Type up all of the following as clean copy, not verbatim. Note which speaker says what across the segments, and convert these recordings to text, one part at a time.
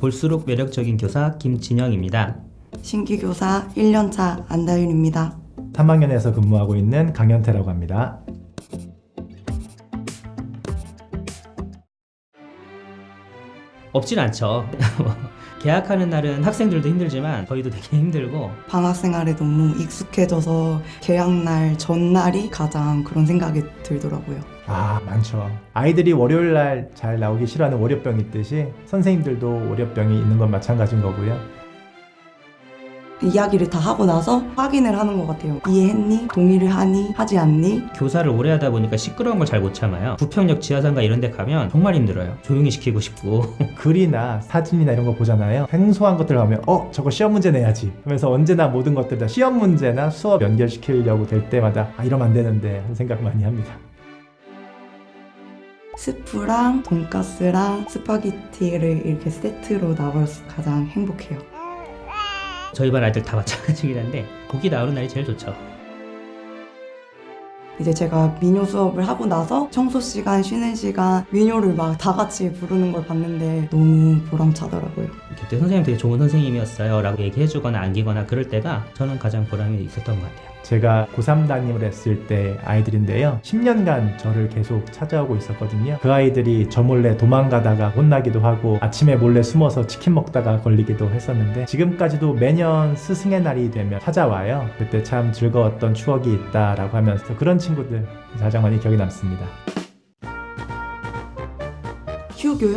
Speaker 1: 볼수록 매력적인 교사 김진영입니다.
Speaker 2: 신규 교사 1년차 안다윤입니다.
Speaker 3: 3학년에서 근무하고 있는 강현태라고 합니다.
Speaker 1: 없진 않죠. 개학하는 날은 학생들도 힘들지만 저희도 되게 힘들고
Speaker 2: 방학 생활에 너무 익숙해져서 개학날 전날이 가장 그런 생각이 들더라고요.
Speaker 3: 많죠. 아이들이 월요일날 잘 나오기 싫어하는 월요병이 있듯이 선생님들도 월요병이 있는 건 마찬가지인 거고요.
Speaker 2: 이야기를 다 하고 나서 확인을 하는 것 같아요. 이해했니? 동의를 하니? 하지 않니?
Speaker 1: 교사를 오래 하다 보니까 시끄러운 걸 잘 못 참아요. 부평역 지하상가 이런 데 가면 정말 힘들어요. 조용히 시키고 싶고
Speaker 3: 글이나 사진이나 이런 거 보잖아요. 생소한 것들 하면 저거 시험 문제 내야지 하면서 언제나 모든 것들 다 시험 문제나 수업 연결시키려고 될 때마다 이러면 안 되는데 하는 생각 많이 합니다.
Speaker 2: 스프랑 돈가스랑 스파게티를 이렇게 세트로 나와서 가장 행복해요.
Speaker 1: 저희 반 아이들 다 마찬가지긴 한데 고기 나오는 날이 제일 좋죠.
Speaker 2: 이제 제가 민요 수업을 하고 나서 청소 시간, 쉬는 시간 민요를 막 다 같이 부르는 걸 봤는데 너무 보람차더라고요.
Speaker 1: 그때 선생님 되게 좋은 선생님이었어요 라고 얘기해주거나 안기거나 그럴 때가 저는 가장 보람이 있었던 것 같아요.
Speaker 3: 제가 고3 담임을 했을 때 아이들인데요. 10년간 저를 계속 찾아오고 있었거든요. 그 아이들이 저 몰래 도망가다가 혼나기도 하고 아침에 몰래 숨어서 치킨 먹다가 걸리기도 했었는데 지금까지도 매년 스승의 날이 되면 찾아와요. 그때 참 즐거웠던 추억이 있다라고 하면서 그런 친구들 가장 많이 기억에 남습니다.
Speaker 2: 휴교요?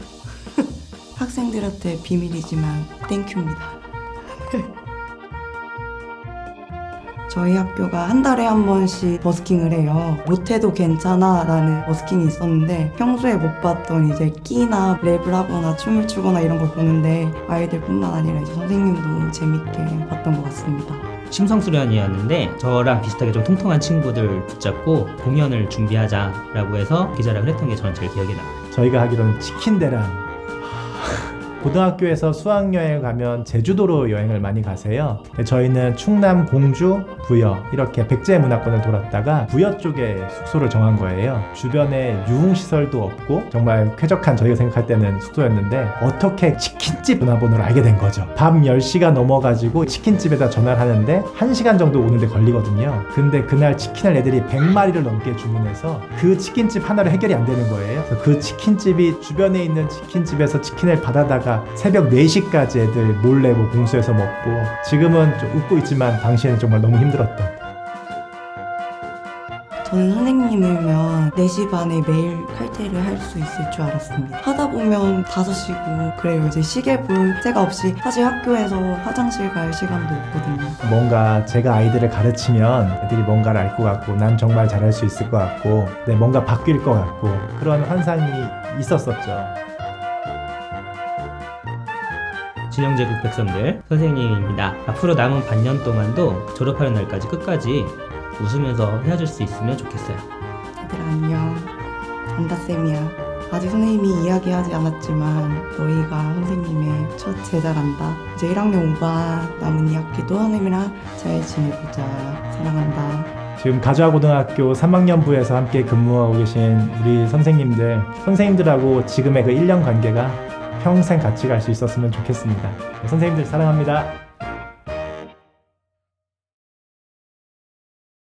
Speaker 2: 학생들한테 비밀이지만 땡큐입니다. 저희 학교가 한 달에 한 번씩 버스킹을 해요. 못해도 괜찮아 라는 버스킹이 있었는데 평소에 못 봤던 이제 끼나 랩을 하거나 춤을 추거나 이런 걸 보는데 아이들뿐만 아니라 이제 선생님도 재밌게 봤던 것 같습니다.
Speaker 1: 심성수련이었는데 저랑 비슷하게 좀 통통한 친구들 붙잡고 공연을 준비하자라고 해서 기자랑을 했던 게 저는 제일 기억에 남아요.
Speaker 3: 저희가 하기로는 치킨 대란. 고등학교에서 수학여행을 가면 제주도로 여행을 많이 가세요. 저희는 충남 공주, 부여 이렇게 백제 문화권을 돌았다가 부여 쪽에 숙소를 정한 거예요. 주변에 유흥시설도 없고 정말 쾌적한 저희가 생각할 때는 숙소였는데 어떻게 치킨집 전화번호를 알게 된 거죠. 밤 10시가 넘어가지고 치킨집에다 전화를 하는데 1시간 정도 오는데 걸리거든요. 근데 그날 치킨을 애들이 100마리를 넘게 주문해서 그 치킨집 하나로 해결이 안 되는 거예요. 그래서 그 치킨집이 주변에 있는 치킨집에서 치킨을 받아다가 새벽 4시까지 애들 몰래 공수해서 먹고 지금은 좀 웃고 있지만 당시에는 정말 너무 힘들었던.
Speaker 2: 저는 선생님이면 4시 반에 매일 칼퇴를 할 수 있을 줄 알았습니다. 하다 보면 5시고 그래요. 이제 시계 볼 새가 없이 사실 학교에서 화장실 갈 시간도 없거든요.
Speaker 3: 뭔가 제가 아이들을 가르치면 애들이 뭔가를 알 것 같고 난 정말 잘할 수 있을 것 같고 뭔가 바뀔 것 같고 그런 환상이 있었었죠.
Speaker 1: 진영제국 백성들 선생님입니다. 앞으로 남은 반년 동안도 졸업하는 날까지 끝까지 웃으면서 헤어질 수 있으면 좋겠어요.
Speaker 2: 얘들아 안녕. 안다쌤이야. 아직 선생님이 이야기하지 않았지만 너희가 선생님의 첫 제자란다. 이제 1학년 5반 남은 2학기도 선생님이랑 잘 지내보자. 사랑한다.
Speaker 3: 지금 가주아고등학교 3학년부에서 함께 근무하고 계신 우리 선생님들하고 지금의 그 1년 관계가 평생 같이 갈 수 있었으면 좋겠습니다. 선생님들 사랑합니다.